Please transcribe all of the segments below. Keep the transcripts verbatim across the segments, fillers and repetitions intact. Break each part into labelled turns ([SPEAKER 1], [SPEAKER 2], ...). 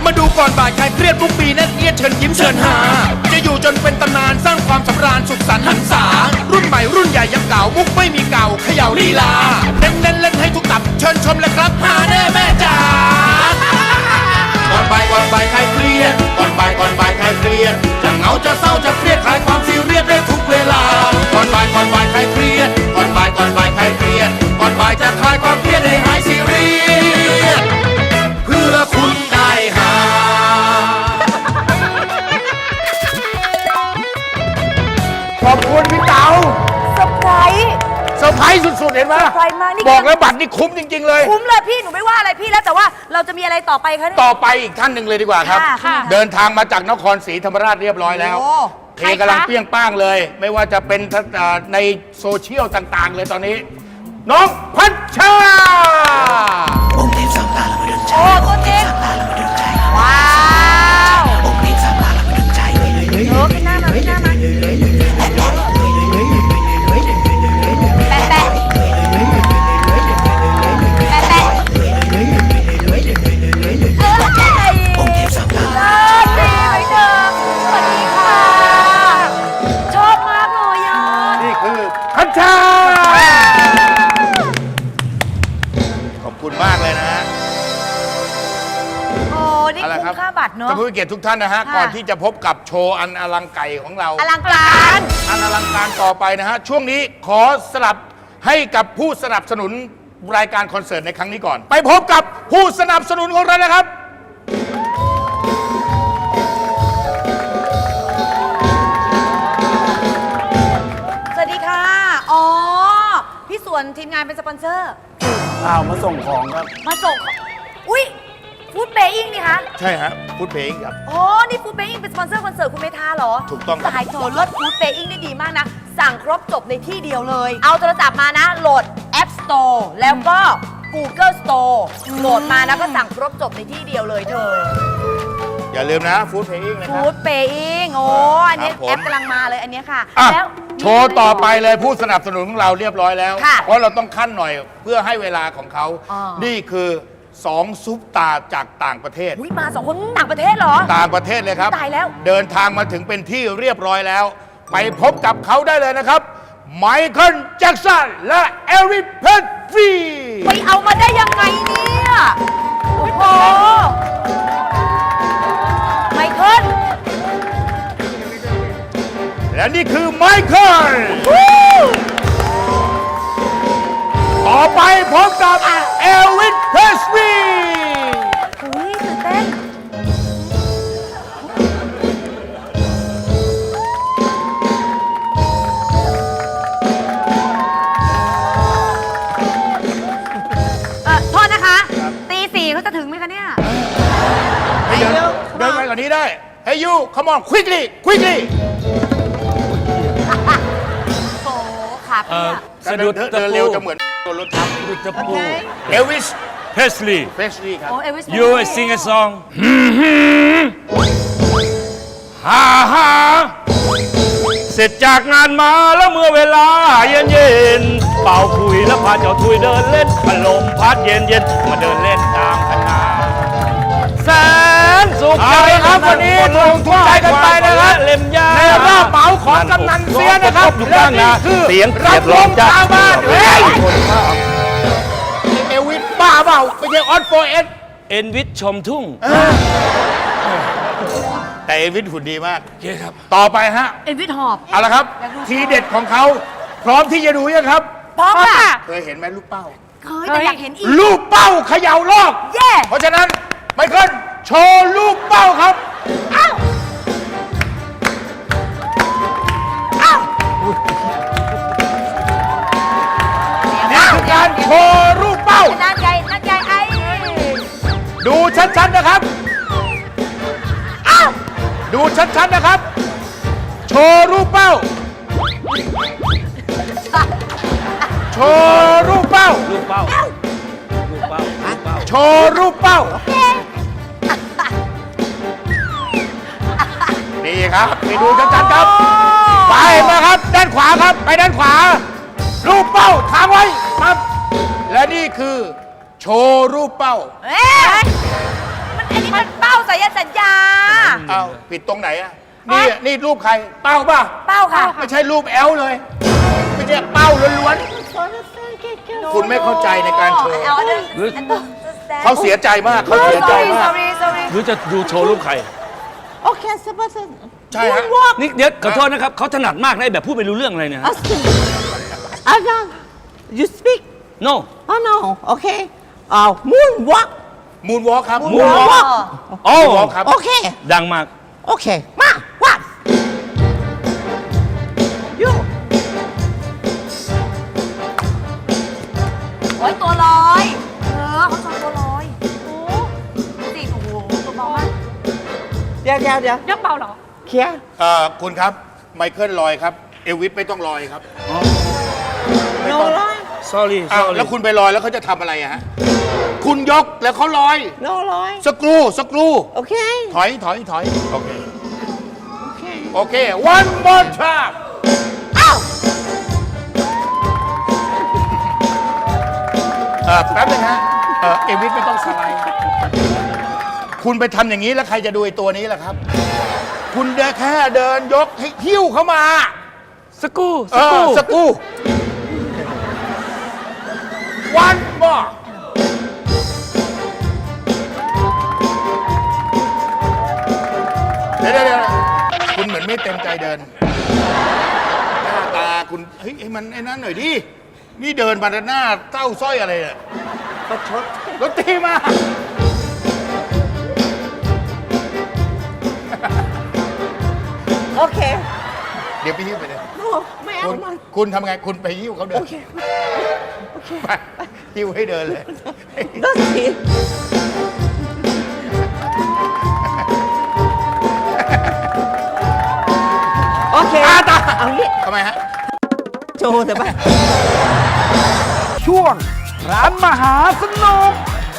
[SPEAKER 1] มาดูก่อนบ่ายใครเครียดทุกปีนั่นเอียดเชิญยิ้มเชิญหาจะอยู่จนเป็นตำนานสร้างความสำราญสุขสันต์หันษารุ่นใหม่รุ่นใหญ่ยังเก่ามุกไม่มีเก่าเขย่าลีลาเน้นเล่นเล่นให้ทุกตับเชิญชมเลยครับหาแน่แม่จ๋าก่อนบ่ายก่อนบ่ายใครเครียดก่อนบ่ายก่อนบ่ายใครเครียดจะเหงาจะเศร้าจะเครียดคลายความซีเรียสได้ทุกเวลาก่อนบ่ายก่อนบ่ายใครเครียดก่อนบ่ายก่อนบ่ายใครเครียดก่อนบ่ายจะคลายความเครียดให้หายซีเรียสเพื่อคุณได้หา
[SPEAKER 2] ขอบคุณพี่เต๋า
[SPEAKER 3] เซอร์ไพรส์
[SPEAKER 2] เซอร์ไพรส์สุดๆเห็นไหม
[SPEAKER 3] เซอร์ไพรส์มากนี่
[SPEAKER 2] บอกแล้วบัตรนี่คุ้มจริงๆเลย
[SPEAKER 3] คุ้มเลยพี่หนูไม่ว่าอะไรพี่แล้วแต่ว่าเราจะมีอะไรต่อไปคะเนี่ย
[SPEAKER 2] ต่อไปอีกท่านหนึ่งเลยดีกว่าครับ
[SPEAKER 3] ค่ะค่ะ
[SPEAKER 2] เดินทางมาจากนครศรีธรรมราชเรียบร้อยแล้ว
[SPEAKER 3] โอ้
[SPEAKER 2] เพลงกำลังเปรี้ยงป้างเลย ไม่ว่าจะเป็นเอ่อในโซเชียลต่างๆ เลยตอนนี้ น้องพัชชา
[SPEAKER 4] องค์เทพสามตาละมาดึงใจ
[SPEAKER 3] โอ้ตัวจริง
[SPEAKER 4] ตาละมาดึงใจ
[SPEAKER 3] ว้าว
[SPEAKER 4] องค์เทพสามตาละมาดึงใจ
[SPEAKER 3] เออขึ้นหน้ามาขึ้นหน้ามาแปะแปะแปะแปะเออใช่
[SPEAKER 4] องค์เทพสามตา
[SPEAKER 3] เออดีไหมเธอสวัสดีค่ะ ชอบมากเลยอ่ะ
[SPEAKER 2] นี่คือพัชชา ขอบคุณมากเลยนะฮะ
[SPEAKER 3] โอ้นี่
[SPEAKER 2] เอาละครั
[SPEAKER 3] คุ้มค่าบัตรเนอะ
[SPEAKER 2] ท่านผู้มีเกียรติทุกท่านนะฮะ
[SPEAKER 3] ค่ะ
[SPEAKER 2] ก่อนที่จะพบกับโชว์อันอลังไก่ของเรา
[SPEAKER 3] อลังการ
[SPEAKER 2] อันอลังการต่อไปนะฮะ ช่วงนี้ขอสลับให้กับผู้สนับสนุนรายการคอนเสิร์ตในครั้งนี้ก่อน ไปพบกับผู้สนับสนุนของเรานะครับ
[SPEAKER 3] สวัสดีค่ะ อ๋อ พี่สวนทีมงานเป็นสปอนเซอร์
[SPEAKER 2] อ้าว มาส่งของครับ
[SPEAKER 3] มาส่งของอุ๊ยฟู้ดเบย์อิงนี่คะ
[SPEAKER 2] ใช่ฮะพูดเพลงครับ
[SPEAKER 3] อ๋อ นี่ฟู้ดเบย์อิงเป็นสปอนเซอร์คอนเสิร์ตคุณเมธาเหรอ
[SPEAKER 2] ถูกต้องครับ
[SPEAKER 3] สายโทรลดฟู้ดเบย์อิงได้ดีมากนะ สั่งครบจบในที่เดียวเลย เอาโทรศัพท์มานะ โหลด App Store แล้วก็ Google Store โหลดมาแล้วก็สั่งครบจบในที่เดียวเลยเธอ
[SPEAKER 2] อย่าลืมนะฟูดเพลงนะค
[SPEAKER 3] ฟู้
[SPEAKER 2] รับ
[SPEAKER 3] ดเบย์อิงโอ้อันนี้
[SPEAKER 2] ครับผม
[SPEAKER 3] แอปกำลังมาเลยอันเนี้ยค่ะ
[SPEAKER 2] อ่ะ
[SPEAKER 3] แล้ว
[SPEAKER 2] โชว์ต่อไปเลยผู้สนับสนุนของเราเรียบร้อยแล้ว
[SPEAKER 3] ค่ะ
[SPEAKER 2] เพราะเราต้องขั้นหน่อยเพื่อให้เวลาของเขา
[SPEAKER 3] อ๋อ
[SPEAKER 2] นี่คือสองซุปตาจากต่างประเทศ
[SPEAKER 3] อุ๊ยมาสองคนต่างประเทศเหรอ
[SPEAKER 2] ต่างประเทศเลยครับ
[SPEAKER 3] ตายแล้ว
[SPEAKER 2] เดินทางมาถึงเป็นที่เรียบร้อยแล้ว ไปพบกับเขาได้เลยนะครับ ไมเคิลแจ็คสันและเอริกเพนฟรี
[SPEAKER 3] ไปเอามาได้ยังไงเนี่ย โอ้โห ไมเคิล
[SPEAKER 2] และนี่คือไมเคิลต่อไปพบกับเอริกเพนฟรี
[SPEAKER 3] อุ้ยตื่นเต้น เอ่อ โทษนะคะ ตีสี่เขาจะถึงไหมคะเนี่ย
[SPEAKER 2] เดินเดินไปกว่านี้ได้ Hey you come on quickly quickly
[SPEAKER 3] โอ้ขาเปียก
[SPEAKER 5] สะดุด
[SPEAKER 2] เดิน
[SPEAKER 5] ตะ
[SPEAKER 2] เดิน
[SPEAKER 5] ปู
[SPEAKER 2] เร็วจะเหมือนโดนรถทับ
[SPEAKER 5] สะดุดตะปู
[SPEAKER 2] เอลวิส
[SPEAKER 5] Presley
[SPEAKER 2] เพสลีย์ครับ
[SPEAKER 3] โอ้เอวิส
[SPEAKER 5] you sing a song ฮ่าฮ่าเสร็จจากงานมาแล้วเมื่อเวลาเย็นเย็นๆเป่าคุยแล้วพาเจ้าทุยเดินเล่นพัดลมพัดเย็นเย็นๆมาเดินเล่นตามคณะแสนสุข
[SPEAKER 2] เอาละครับวันนี้ถูกทุกใจกันไปนะครับ
[SPEAKER 5] เล่มยา
[SPEAKER 2] ในรอบเหมาของกำนันเสียนะครับ
[SPEAKER 5] ทุกท่านนะ
[SPEAKER 2] และนี่คือ
[SPEAKER 5] เสียง
[SPEAKER 2] รั
[SPEAKER 5] เสีย
[SPEAKER 2] บบ
[SPEAKER 5] ล
[SPEAKER 2] ล
[SPEAKER 5] ม
[SPEAKER 2] ม
[SPEAKER 5] จ้า
[SPEAKER 2] ชาวบ้านเฮ้ยเอลวิสบ้าเปล่าไม่ใช่ออนโฟเอส
[SPEAKER 5] เอ็นวิทชมทุ่ง
[SPEAKER 2] แต่เอลวิสหุ่นดีมาก
[SPEAKER 5] โอเคครับ
[SPEAKER 2] ต่อไปฮะ
[SPEAKER 3] เอวิสหอบ
[SPEAKER 2] เอาละครับ ทีเด็ดของเขาพร้อมที่จะดูยังครับ
[SPEAKER 3] พร้อมค่ะ
[SPEAKER 2] เคยเห็นไหมลูกเป้า
[SPEAKER 3] เฮ้ยแต่อยากเห็นอีก
[SPEAKER 2] ลูกเป้าเขย่าโลก
[SPEAKER 3] เย่
[SPEAKER 2] เพราะฉะนั้นไมเคิลโชว์ลูกเป้าครับ
[SPEAKER 3] อ้าวอ้าว
[SPEAKER 2] นี่คือการโชว์ลูกเป้า
[SPEAKER 3] นั่นไงนั่นไงไอ้
[SPEAKER 2] ดูชัดๆนะครับ
[SPEAKER 3] อ้าว
[SPEAKER 2] ดูชัดๆนะครับ โชว์รูปเป้า โชว์รูปเป้า
[SPEAKER 5] ลูกเป้า ลูกเป้า ลูกเป้า
[SPEAKER 2] โชว์รูปเป้า นี่ครับไปดูชัดๆครับ ไปนะครับ ด้านขวาครับ ไปด้านขวา รูปเป้าทางไว้ครับ และนี่คือ โชว์รูปเป้า
[SPEAKER 3] เอ๊ะมันอันนี้มันเป้าใส่สัยสัญญา
[SPEAKER 2] เอาผิดตรงไหนอะนี่นี่รูปใคร เป้าป่ะ
[SPEAKER 3] เป้าค่ะ
[SPEAKER 2] ไม่ใช่รูปแอลเลย ไม่ใช่เป้าล้วนๆ คุณไม่เข้าใจในการโชว์
[SPEAKER 3] เอาอันนั้น
[SPEAKER 5] หรือ
[SPEAKER 3] อันนั้น
[SPEAKER 2] เขาเสียใจมาก เขาเสียใจ
[SPEAKER 3] sorry
[SPEAKER 2] มาก
[SPEAKER 3] sorry sorry
[SPEAKER 5] หรือจะดูโชว์รูปใคร
[SPEAKER 6] Okay, sebentar.
[SPEAKER 2] ใช่ฮะ
[SPEAKER 6] Moonwalk.
[SPEAKER 5] นี่เดี๋ยวขอโทษนะครับเขาถนัดมากนะไอ้แบบพูดไม่รู้เรื่องอะไรเนี่ย
[SPEAKER 6] Asking. Ada, you speak?
[SPEAKER 5] no
[SPEAKER 6] Oh no. Okay. Uh, moonwalk.
[SPEAKER 2] มูนวอล์กครับ
[SPEAKER 6] Moonwalk.
[SPEAKER 5] โอ้
[SPEAKER 2] Moonwalk ครับ
[SPEAKER 6] Okay.
[SPEAKER 5] ดังมาก
[SPEAKER 6] Okay. Ma, what? You.
[SPEAKER 3] โอ้ยตัวลอย เออเขาชอบตัวลอย โอ้ดูสิโอ้โหตัวเบามาก
[SPEAKER 6] เดี๋ยวเดี๋ยวเดี๋ยว
[SPEAKER 3] ยังเบาเหรอ
[SPEAKER 6] เคลียร์
[SPEAKER 2] เอ่อคุณครับ ไมเคิลลอยครับ เอลวิสไม่ต้องลอยครับ ไม่
[SPEAKER 6] no
[SPEAKER 2] ต้อง
[SPEAKER 6] line
[SPEAKER 5] sorry
[SPEAKER 2] อ้าว
[SPEAKER 5] sorry
[SPEAKER 2] แล้วคุณไปลอยแล้วเขาจะทำอะไรอะฮะ คุณยกแล้วเขาลอย
[SPEAKER 6] no line
[SPEAKER 2] สกรู สกรู
[SPEAKER 6] okay
[SPEAKER 2] ถอย ถอย ถอย โอเค
[SPEAKER 6] okay
[SPEAKER 2] โอเค one more time
[SPEAKER 6] อ้าว
[SPEAKER 2] เออแป๊บนึงฮะ เออเอลวิสไม่ต้องสไลด์ คุณไปทำอย่างนี้แล้วใครจะดูไอ้ตัวนี้ล่ะครับ คุณเดินแค่เดินยกให้หิ้วเข้ามา
[SPEAKER 5] สกู
[SPEAKER 2] เอ
[SPEAKER 5] สกู
[SPEAKER 2] อสกรู one more เดี๋ยวเดี๋ยวเดี๋ยวคุณเหมือนไม่เต็มใจเดิน หน้าตาคุณ เฮ้ยให้มันไอ้นั้นหน่อยดิ นี่เดินมาหน้าเต้าสร้อยอะไรเนี่ย
[SPEAKER 6] ประชด
[SPEAKER 2] รถตีมา
[SPEAKER 6] โอเค
[SPEAKER 2] เดี๋ยวไปหิ้วไปเลย
[SPEAKER 6] no ไม่เอา
[SPEAKER 2] คุณ
[SPEAKER 6] มัน
[SPEAKER 2] คุณทำไง คุณไปหิ้วเขาเดิน
[SPEAKER 6] โอเคโอเค
[SPEAKER 2] ไปหิ้วให้เดินเลย
[SPEAKER 6] that's it โอเค
[SPEAKER 2] อาตา
[SPEAKER 6] เอางี้
[SPEAKER 2] ทำไมฮะ
[SPEAKER 6] โชว์เถอะไป
[SPEAKER 1] ช่วงร้านมหาสนุก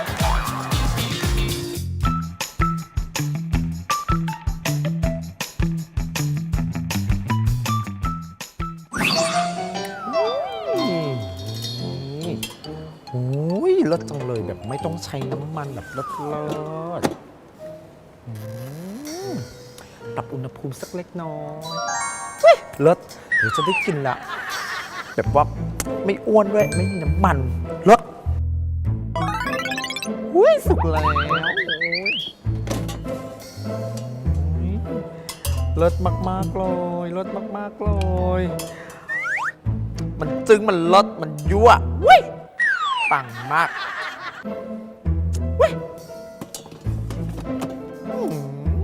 [SPEAKER 7] โอ้ยเลิศจังเลยแบบไม่ต้องใช้น้ำมันแบบเลิศเลิศอืมปรับอุณหภูมิสักเล็กน้อยเฮ้ยเลิศเดี๋ยวจะได้กินละแบบว่าไม่อ้วนด้วยไม่มีน้ำมันเลิศอุ้ยสุกแล้วโอ้ยเลิศมากๆเลยเลิศมากๆเลย มันจึงมันเลิศมันยั่วอุ้ยปังมากเว้ยอืม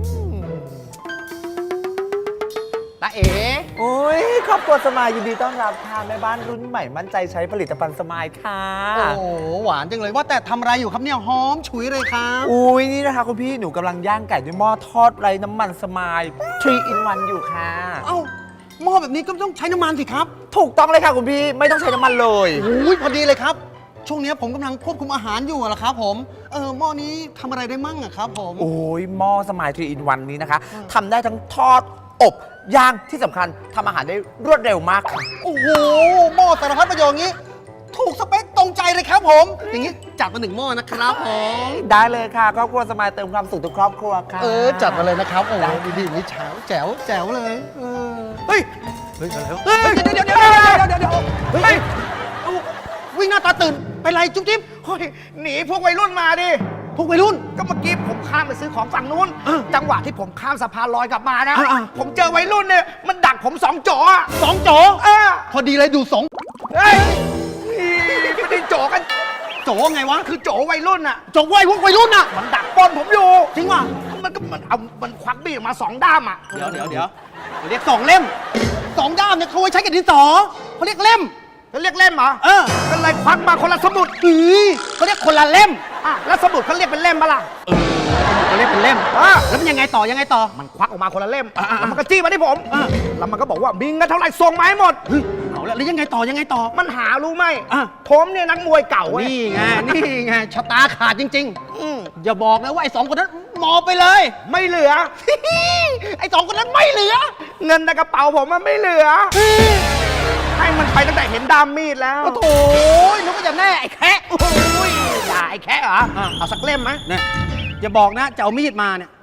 [SPEAKER 6] ตาเอ๋โอ้ยครอบครัวสมายยินดีต้อนรับค่ะแม่บ้านรุ่นใหม่มั่นใจใช้ผลิตภัณฑ์สมายค่ะ
[SPEAKER 8] โอ้โหหวานจังเลยว่าแต่ทำอะไรอยู่ครับเนี่ยหอมฉุยเลยครับ
[SPEAKER 6] อุ้ยนี่นะคะคุณพี่หนูกำลังย่างไก่ด้วยหม้อทอดไร้น้ำมันสมายทรีอินวันอยู่ค่ะ
[SPEAKER 8] เอ้าหม้อแบบนี้ก็ต้องใช้น้ำมันสิครับ
[SPEAKER 6] ถูกต้องเลยค่ะคุณพี่ไม่ต้องใช้น้ำมันเลย
[SPEAKER 8] โอ้ยพอดีเลยครับ ช่วงนี้ผมกำลังควบคุมอาหารอยู่อะละครับผมเออหม้อนี้ทำอะไรได้มั่งอะครับผม
[SPEAKER 6] โอ้ยหม้อสมายทรีอินวันนี้นะคะทำได้ทั้งทอดอบย่างที่สำคัญทำอาหารได้รวดเร็วมากค่ะ
[SPEAKER 8] โอ้โหหม้อสารพัดประโยชน์อย่างนี้ ถูกสเปคตรงใจเลยครับผม อย่างนี้จัดมาหนึ่งหม้อนะครับผม
[SPEAKER 6] ได้เลยค่ะครอบครัวสมายเติมความสุขทุกครอบครัวค่ะ
[SPEAKER 8] เออจัดมาเลยนะครับโอ้โหดีๆนี่แจ๋วแจ๋วแจ๋วเลยเออเฮ้ยเฮ้ยมาแล้วเฮ้ยเดี๋ยวเดี๋ยวเดี๋ยวเดี๋ยวเดี๋ยวเดี๋ยวเฮ้ยเอ้าวิ่งหน้าตาตื่นเป็นไรจุ๊บจิ๊บเฮ้ยหนีพวกวัยรุ่นมาดิพวกวัยรุ่นก็เมื่อกี้ผมข้ามไปซื้อของฝั่งนู้นจังหวะที่ผมข้ามสะพานลอยกลับมานะผมเจอวัยรุ่นเนี่ยมันดักผมสองโจอะสองโจเออพอดีเลยดูสองเฮ้ยไม่ได้โจกัน โจไงวะ คือโจวัยรุ่นอะโจวัยพวกวัยรุ่นอะมันดักปล้นผมอยู่ จริงว่ะมันก็มันเอา มันควักมีดออกมาสองด้ามอะเดี๋ยวเดี๋ยวเดี๋ยวเขาเรียกสองเล่มสองด้ามเนี่ยเขาไว้ใช้กับดินสอเขาเรียกเล่มเขาเรียกเล่มเหรอ เออก็เลยควักมาคนละสมุดอือเขาเรียกคนละเล่มอ่ะแล้วสมุดเขาเรียกเป็นเล่มปะล่ะเออเขาเรียกเป็นเล่มอ่ะแล้วมันยังไงต่อยังไงต่อ มันควักออกมาคนละเล่มแล้วมันก็จี้มาที่ผมแล้วมันก็บอกว่ามีเงินเท่าไหร่ส่งมาให้หมดเอาแล้วแล้วยังไงต่อยังไงต่อ มันหารู้ไหมผมเนี่ยนักมวยเก่านี่ไงนี่ไงชะตาขาดจริงๆอย่าบอกนะว่าไอ้สองคนนั้นมอบไปเลย ไม่เหลือ ไอ้สองคนนั้นไม่เหลือ เงินในกระเป๋าผมมันไม่เหลือ ให้มันไปตั้งแต่เห็นดามมีดแล้ว โอ้โหนึกว่าจะแน่ไอ้แคะโอ้ยอย่าไอ้แคะเหรอ เอาสักเล่มไหมเนี่ยอย่าบอกนะจะเอามีดมาเนี่ย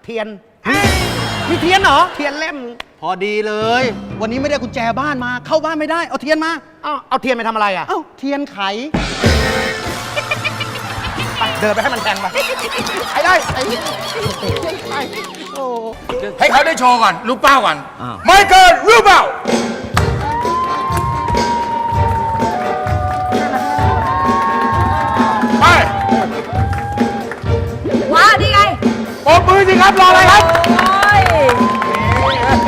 [SPEAKER 8] เทียนมีเทียนเหรอ เทียนเล่ม พอดีเลย วันนี้ไม่ได้กุญแจบ้านมา เข้าบ้านไม่ได้ เอาเทียนมา
[SPEAKER 6] อ้าวเอาเทียนไปทำอะไรอ่ะ
[SPEAKER 8] เอ้า เทียนไข เดินไปให้มันแทงไปไอ้ได้ไอ้ไอ้โอ้
[SPEAKER 2] ให้เขาได้โชว์ก่อนรูปเป้าก่อนไม่เกินรูปเป้าไป
[SPEAKER 3] ว้านี่ไง
[SPEAKER 2] ปมมือสิครับรออะไรครับ
[SPEAKER 3] โอ้ย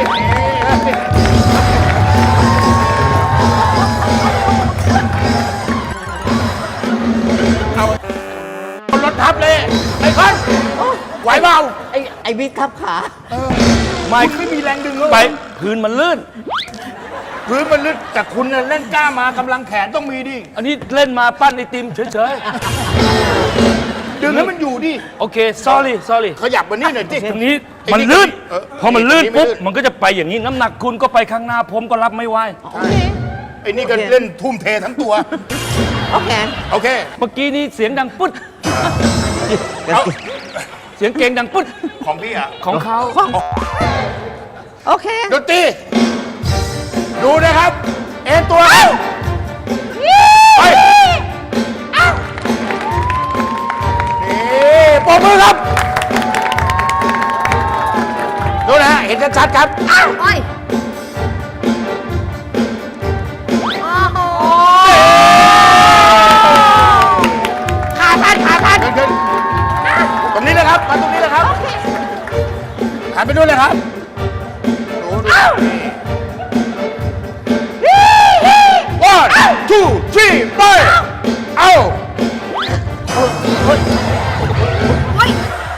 [SPEAKER 2] เอารถทับเลยไอ้คอนไหวเปล่า
[SPEAKER 6] ไอ้ไอ้บิ๊กทับขา
[SPEAKER 2] ไม่ไม่มีแรงดึงเลย
[SPEAKER 5] ไปพื้นมันลื่น
[SPEAKER 2] พื้นมันลึกแต่คุณน่ะเล่นกล้ามากำลังแขนต้องมีดิ
[SPEAKER 5] อันนี้เล่นมาปั้นไอติมเฉย
[SPEAKER 2] ดึงให้มันอยู่ดิ
[SPEAKER 5] ๆ โอเค sorry sorry
[SPEAKER 2] ขยับมานี่หน่อยดิ
[SPEAKER 5] ตรงนี้
[SPEAKER 2] ไอ้
[SPEAKER 5] มันลื่น
[SPEAKER 2] เออ
[SPEAKER 5] พอมันลื่น
[SPEAKER 2] ไอ้นี่ไม่
[SPEAKER 5] ปุ๊บ
[SPEAKER 2] ลื่น
[SPEAKER 5] มันก็จะไปอย่างนี้ น้ำหนักคุณก็ไปข้างหน้า ผมก็รับไม่ไหว
[SPEAKER 2] ไอ้นี่ก็เล่นทุ่มเททั้งตัว
[SPEAKER 6] โอเค
[SPEAKER 2] โอเค
[SPEAKER 5] เมื่อกี้นี้เสียงดังปุ๊ด
[SPEAKER 2] เอา
[SPEAKER 5] เสียงเก่งดังปุ๊ด
[SPEAKER 2] ของพี่อ่ะ
[SPEAKER 5] ของเขา
[SPEAKER 6] โอเค
[SPEAKER 2] ดนตรีดูนะครับ เอ็นตัวไปนี่ปรบมือครับ ดูนะฮะ เห็นชัดๆครับ
[SPEAKER 3] อ้าวโอ้ยโอ้โห
[SPEAKER 2] ขาพันขาพันขึ้นตรงนี้นะครับ มาตรงนี้นะครับหันไปดูเลยครับดูดูone two three ไปเอา
[SPEAKER 3] โอ้ย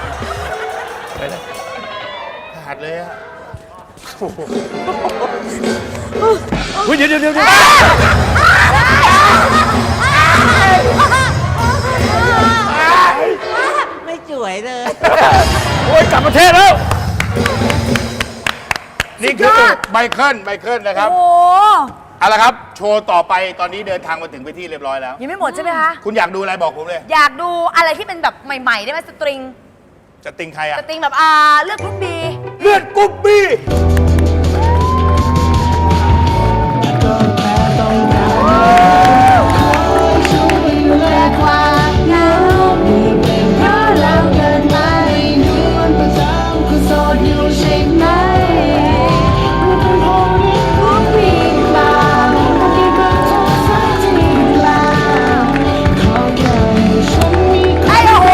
[SPEAKER 2] ขาดเลยอะ
[SPEAKER 5] เฮ้ยเดี๋ยวเดี๋ยวเดี๋ยว
[SPEAKER 6] ไม่สวยเลย
[SPEAKER 5] โอ้ยกลับประเทศแล้ว
[SPEAKER 2] นี่คือไมเคิลไมเคิลนะครับ
[SPEAKER 3] โอ้โห
[SPEAKER 2] เอาละครับ โชว์ต่อไปตอนนี้เดินทางมาถึงไปที่เรียบร้อยแล้ว
[SPEAKER 3] ยังไม่หมดใช่ไหมคะ
[SPEAKER 2] คุณอยากดูอะไรบอกผมเลย
[SPEAKER 3] อยากดูอะไรที่เป็นแบบใหม่ๆ ได้ไหมสตริง
[SPEAKER 2] จะติงใครอะ
[SPEAKER 3] สตริงแบบอ่าเลือกรุ่นบี
[SPEAKER 2] เลือดกุ๊บบี้
[SPEAKER 3] ไอ้โอ้โห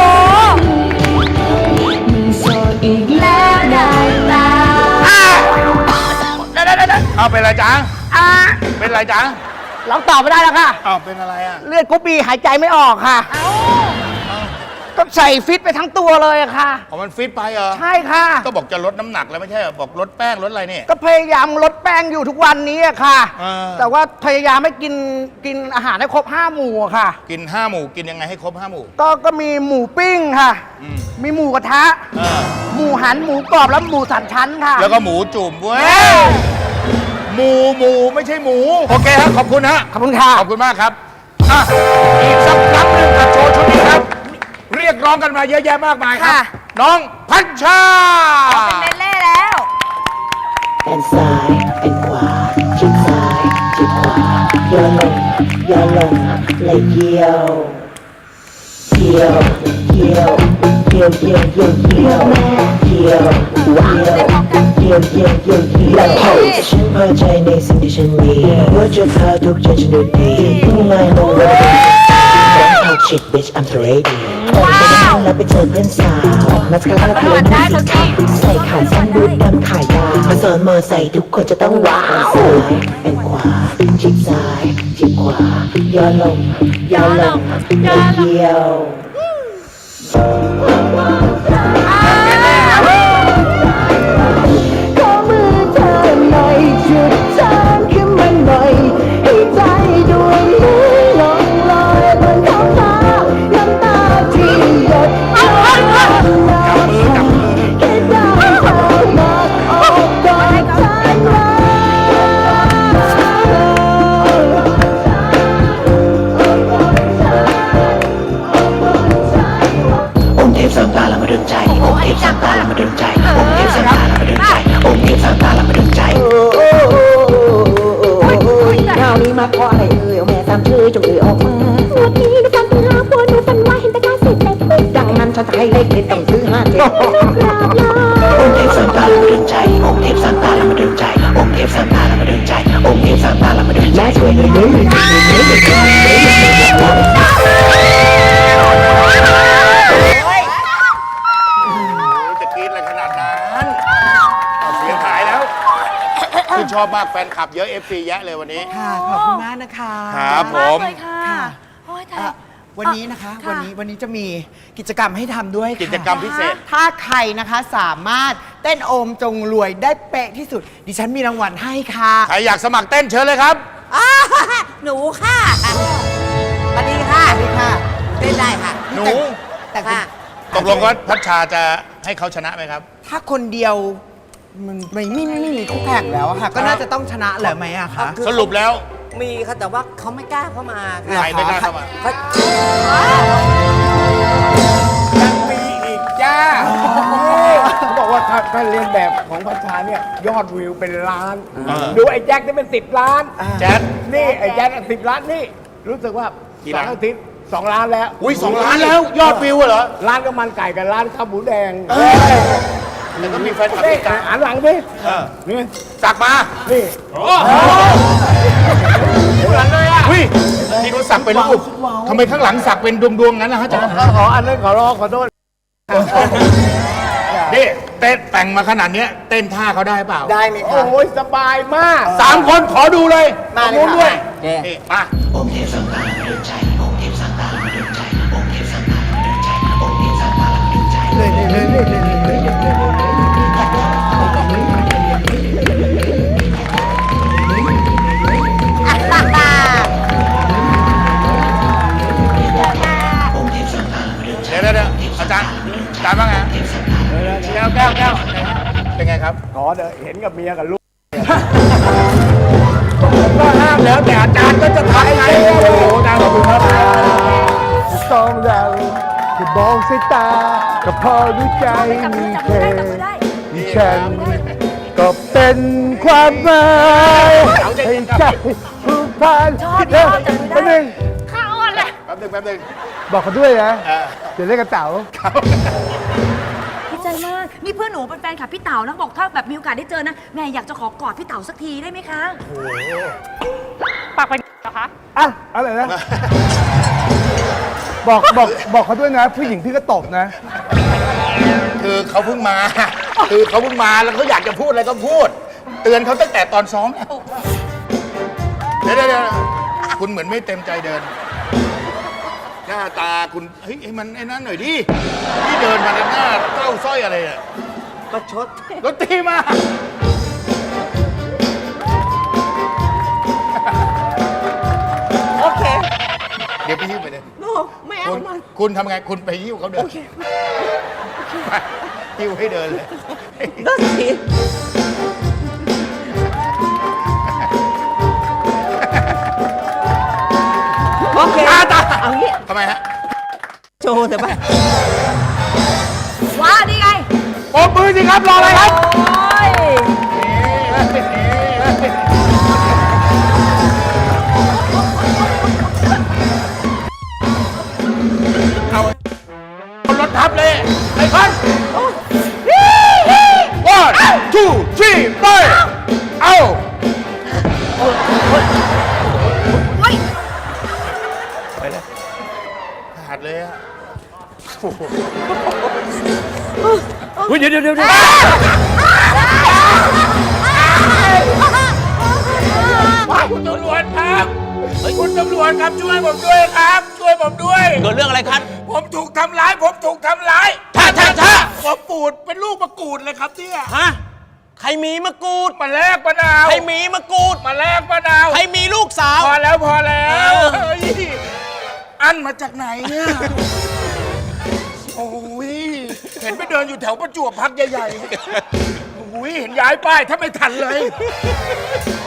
[SPEAKER 3] แล้วได้ตา
[SPEAKER 2] เอาเป็นไรจ๊ะ
[SPEAKER 6] อ่ะ
[SPEAKER 2] เป็นไรจ๊ะ
[SPEAKER 6] เราตอบไม่ได้แล้วค่ะ
[SPEAKER 2] เอาเป็นอะไรอะ
[SPEAKER 6] เลือดกุ๊บบีหายใจไม่ออกค่ะ ต้องใส่ฟิตไปทั้งตัวเลยอะค่ะ
[SPEAKER 2] อ๋อมันฟิตไปเหรอ
[SPEAKER 6] ใช่ค่ะ
[SPEAKER 2] ก็บอกจะลดน้ำหนักแล้วไม่ใช่เหรอบอกลดแป้งลดอะไรเนี่ย
[SPEAKER 6] ก็พยายามลดแป้งอยู่ทุกวันนี้อะค่ะ
[SPEAKER 2] เออ
[SPEAKER 6] แต่ว่าพยายามไม่กินกินอาหารให้ครบห้าหมู่อะค่ะ
[SPEAKER 2] กินห้าหมู่กินยังไงให้ครบห้าหมู่
[SPEAKER 6] ก็ก็มีหมูปิ้งค่ะ
[SPEAKER 2] อืม
[SPEAKER 6] มีหมูกระทะ
[SPEAKER 2] เออ
[SPEAKER 6] หมูหันหมูกรอบแล้วหมูสามชั้นค่ะ
[SPEAKER 2] แล้วก็หมูจุ่มเว้ยหมูหมูไม่ใช่หมู โอเคครับขอบคุณฮะ
[SPEAKER 6] ขอบคุณค่ะ
[SPEAKER 2] ขอบคุณมากครับอ่ะอีกสักครั้งหนึ่งกับโชว์ชุดนี้ครับ เรียกร้องกันมาเยอะแยะมากมายครับ
[SPEAKER 3] ค่ะ
[SPEAKER 2] น้องพัชชา
[SPEAKER 3] เป็นเล่ๆแล้ว
[SPEAKER 4] เป็นซ้ายเป็นขวาชิดซ้ายชิดขวาย่อลงย่อลงและเยี่ยวเยี่ยวเยี่ยวเยี่ยวเยี่ยวเยี่ยวเยี่ยวเยี่ยวเยี่ยวเยี่ยวเยี่ยวเยี่ยวเยี่ยวฉันพอใจในสิ่งที่ฉันมีว่าจะพาทุกใจฉันดูดีพุ่งมาลงรถ Don't talk shit bitch I'm the lady ก่อนจะนั่งแล้วไปเจอเพื่อนสาวมาสคาร่าเพลินที่สีขาวใส่ขาสั้นบูทดำขายาวมาสอนมอใส่ทุกคนจะต้องว้าวซ้ายเป็นขวาชิดซ้ายชิดขวาย่อลงย่อลงและเยี่ยว ขอมือเธอหน่อยจุดทางขึ้นมาหน่อยให้ใจดวงนี้ลงลอยบนท้องฟ้าน้ำตาที่หยดย้อยมาแค่ได้เธอมาออกกอดฉันไว้องค์เทพสามตาละมาดนใจองค์เทพสามตาละมาดนใจองค์เทพสามตาละมาดนใจองค์เทพสามตาละมาดนใจคราวนี้มาขออะไรเอ่ยเอาแม่ตามชื่อจงเอ่ยออกมาวันนี้หนูฝันถึงหาผัวหนูฝันว่าเห็นตะการเสร็จเล็กดังนั้นฉันจะให้เลขเด็ดต้องซื้อห้าเจ็ดองค์เทพสามตาละมาดนใจองค์เทพสามตาละมาดนใจองค์เทพสามตาละมาดนใจองค์เทพสามตาละมาดนใจช่วยเลยเลย
[SPEAKER 2] จะกรี๊ดอะไรขนาดนั้นเอาเสียงหายแล้วคุณชอบมากแฟนคลับเยอะ เอฟ ซี แยะเลยวันนี้
[SPEAKER 6] ค่ะ ขอบคุณมากนะคะ
[SPEAKER 2] ครับผม
[SPEAKER 3] เลยค่ะโอ้ย
[SPEAKER 6] เอ่
[SPEAKER 3] ตาย
[SPEAKER 6] อวันนี้นะคะ
[SPEAKER 3] ค่ะ
[SPEAKER 6] วันนี้วันนี้จะมีกิจกรรมให้ทำด้วยค่ะ
[SPEAKER 2] กิจกรรมพิเศษ
[SPEAKER 6] ถ้าใครนะคะสามารถเต้นโอมจงรวยได้เป๊ะที่สุด ดิฉันมีรางวัลให้ค่ะ
[SPEAKER 2] ใครอยากสมัครเต้นเชิญเลยครับ
[SPEAKER 3] อ่าหนูค่ะสวัสดีค่ะ
[SPEAKER 6] สวัสดีค่ะ
[SPEAKER 3] เต้นได้ค่ะ
[SPEAKER 2] หนู
[SPEAKER 6] แต่คุณ
[SPEAKER 3] ค่ะ
[SPEAKER 2] ตกลงว่าพัชชาจะให้เขาชนะไหมครับ
[SPEAKER 6] ถ้าคนเดียวมันไม่ไม่ไม่ไม่มีคู่แข่งแล้วอะค่ะ ก็น่าจะต้องชนะเหรอไหมอะคะ
[SPEAKER 2] สรุปแล้ว
[SPEAKER 3] มีค่ะแต่ว่าเขาไม่กล้าเข้ามาค่ะ
[SPEAKER 2] ใครไม่กล้าเข้ามา
[SPEAKER 3] เขา
[SPEAKER 8] ยังมีอีกจ้าเขาบอกว่าถ้าถ้าเรียนแบบของพัชชาเนี่ยยอดวิวเป็นล้าน
[SPEAKER 2] เออ
[SPEAKER 8] ดูไอ้แจ็คนี่เป็นสิบล้าน
[SPEAKER 2] แจ๊ด
[SPEAKER 8] นี่ไอ้แจ็คสิบล้านนี่ รู้สึกว่า
[SPEAKER 2] กี่
[SPEAKER 8] สอ
[SPEAKER 2] ล้าน
[SPEAKER 8] งอาทิตย์สองล้านแล้ว
[SPEAKER 2] อุ้ยสองล้านแล้วยอดวิวเหรอ
[SPEAKER 8] ร้านก็มันไก่กับร้านข้าวหมูแดง
[SPEAKER 2] แล้วก็มีแฟนคลับ
[SPEAKER 8] นี่
[SPEAKER 2] ที่กลาง
[SPEAKER 8] หันหลังดิ
[SPEAKER 2] เออ
[SPEAKER 8] นี่
[SPEAKER 2] สักมา
[SPEAKER 8] นี่
[SPEAKER 2] เหมือนเลยอ่ะอุ้ยที่เขาสักเป็นรูปทำไมข้างหลังสักเป็นดวงๆงั้นนะฮะจ๊ะ
[SPEAKER 8] ขออันนั้นขอร้องขอโทษ
[SPEAKER 2] นี่เต้นแต่งมาขนาดเนี้ยเต้นท่าเขาได้เปล่า
[SPEAKER 6] ได้ไหมคะ
[SPEAKER 8] โอ้ยสบายมาก
[SPEAKER 2] สามคนขอดูเลย
[SPEAKER 6] มาเลย
[SPEAKER 2] ตรงนู้นด้วย
[SPEAKER 6] ค่ะ
[SPEAKER 2] นี่มา
[SPEAKER 4] องค์เทพสามตาละมาดนใจองค์เทพสามตาละมาดนใจองค์เทพสามตาละมาดนใจองค์เทพสามตาละมาดนใจเลยเลยเลยเลยเลยเลยองค์เทพสามตาละมาดนใจ
[SPEAKER 2] เดี๋ยวเดี๋ยวเดี๋ยวอาจารย์อาจารย์ว่าไงแก้วแก้วแก้วเป็นไงครับ
[SPEAKER 8] ขอเด้อเห็นกับเมียกับลูก
[SPEAKER 2] ก็ห้ามแล้วแต่อาจารย์ก็จะทำไงโอ้โหอาจารย์ขอบคุณครับ
[SPEAKER 8] สองเราจะมองสายตาก็พอรู้ใจ
[SPEAKER 3] จับมื
[SPEAKER 8] มี
[SPEAKER 3] อจับ
[SPEAKER 8] เธ
[SPEAKER 3] มือ
[SPEAKER 8] อ
[SPEAKER 3] ได้จับมือได้
[SPEAKER 8] มีฉันก็เป็นความหมายให้ใจผูกพัน
[SPEAKER 3] ชอบชอบจับมือได้
[SPEAKER 8] แป๊บนึง
[SPEAKER 3] ข้าอ่อนเลย
[SPEAKER 2] แป๊บนึงแป๊บนึง
[SPEAKER 8] บอกเขาด้วยนะ
[SPEAKER 2] เออ
[SPEAKER 8] เดี๋ยวเล่นกระเต๋า
[SPEAKER 3] ดีใจมาก นี่เพื่อนหนูเป็นแฟนคลับพี่เต๋านะบอกถ้าแบบมีโอกาสได้เจอนะแม่อยากจะขอกอดพี่เต๋าสักทีได้ไหมคะ
[SPEAKER 8] อ่ะอะไรนะ บอกบอกบอกเขาด้วยนะ ผู้หญิงพี่ก็ตบนะ
[SPEAKER 2] คือเขาเพิ่งมา คือเขาเพิ่งมาแล้วเขาอยากจะพูดอะไรก็พูด เตือนเขาตั้งแต่ตอนซ้อมแล้วเดี๋ยวเดี๋ยวเดี๋ยวคุณเหมือนไม่เต็มใจเดิน หน้าตาคุณเฮ้ยให้มันไอ้นั่นหน่อยดิที่เดินมาในหน้าเต้าสร้อยอะไรอ่ะ
[SPEAKER 6] ประชด
[SPEAKER 2] รถตีมา
[SPEAKER 6] โอเค
[SPEAKER 2] เดี๋ยวไปหิ้วไปเลย
[SPEAKER 6] โน้ไม่เอา
[SPEAKER 2] คุณ
[SPEAKER 6] มัน
[SPEAKER 2] คุณทำไงคุณไปหิ้วเขาเดินไปหิ้วให้เดินเลย
[SPEAKER 6] ได้สิ โอเค
[SPEAKER 2] ตาตา
[SPEAKER 6] เอางี้
[SPEAKER 2] ทำไมฮะ
[SPEAKER 6] โชว์เถอะป่ะ
[SPEAKER 3] ว้านี่ไง
[SPEAKER 2] ปรบมือสิครับรออะไรครับ
[SPEAKER 3] โอ้ย
[SPEAKER 2] เอารถทับเลยไอ้พัน one two three ไปเอา ไปเลยขาดเลยอะโอ้โห
[SPEAKER 5] เฮ้ยเดี๋ยวเดี๋ยวเดี๋ยว
[SPEAKER 2] ว้าวคุณตำรวจครับคุณตำรวจครับช่วยผมด้วยครับ ช่วยผมด้วย
[SPEAKER 5] เกิดเรื่องอะไรครับ
[SPEAKER 2] ผมถูกทำร้าย ผมถูกทำร้าย
[SPEAKER 5] ท่าท่าท่า
[SPEAKER 2] ผมปูดเป็นลูกมะกรูดเลยครับเนี่ย
[SPEAKER 5] ฮะ ใครมีมะกรูด
[SPEAKER 2] มาแลกมะนาว
[SPEAKER 5] ใครมีมะกรูด
[SPEAKER 2] มาแลกมะนาว
[SPEAKER 5] ใครมีลูกสาว
[SPEAKER 2] พอแล้วพอแล้ว
[SPEAKER 5] เออ
[SPEAKER 2] เฮ้ยอันมาจากไหนเนี่ย โอ้ยเห็นไปเดินอยู่แถวประจวบพักใหญ่ๆโอ้ยเห็นย้ายป้ายถ้าไม่ทันเลย